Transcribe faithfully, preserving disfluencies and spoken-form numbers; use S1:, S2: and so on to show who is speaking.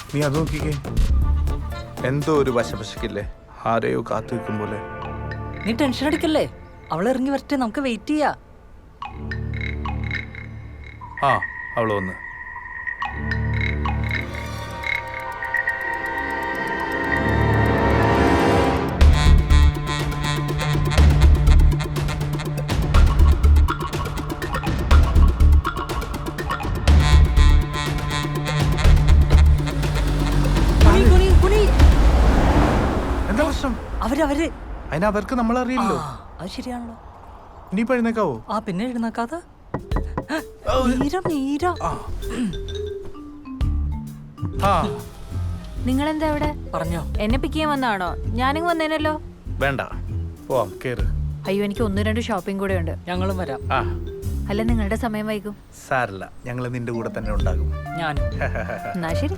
S1: നീ അത് നോക്കിക്കേ, എന്തോ ഒരു വശപശക്കില്ലേ, ആരെയോ കാത്തു വെക്കും പോലെ.
S2: നീ ടെൻഷൻ അടിക്കല്ലേ, അവൾ ഇറങ്ങി വരട്ടെ, നമുക്ക് വെയിറ്റ് ചെയ്യാ.
S1: ആ അവള് വന്ന്.
S2: കുനി, കുനി, കുനി.
S1: എന്താ പ്രശ്നം?
S2: അവര് അവര്
S1: അതിന് അവർക്ക് നമ്മളറിയില്ലോ.
S2: ആ, അത് ശരിയാണല്ലോ.
S1: ഇനി പഴുന്നേക്കാവോ?
S2: ആ പിന്നെ എഴുന്നേക്കാതെ. മീര മീര
S1: ആ
S3: നിങ്ങളെന്താ ഇവിടെ?
S2: പറഞ്ഞോ.
S3: എന്നെ പിക്ക് ചെയ്യാൻ വന്നാണോ? ഞാനിങ്ങ് വന്നേനല്ലോ.
S1: വേണ്ട, പോവാം, കേറ്.
S3: അയ്യോ, എനിക്ക് ഒന്ന് രണ്ട് ഷോപ്പിംഗ് കൂടെ ഉണ്ട്.
S2: ഞങ്ങളും വരാം.
S1: ആ
S3: അല്ല, നിങ്ങളുടെ സമയം വൈകും.
S1: സാരല്ല, ഞങ്ങൾ നിന്റെ കൂടെ തന്നെ ഉണ്ടാകും.
S2: ഞാനും.
S3: എന്നാ ശരി.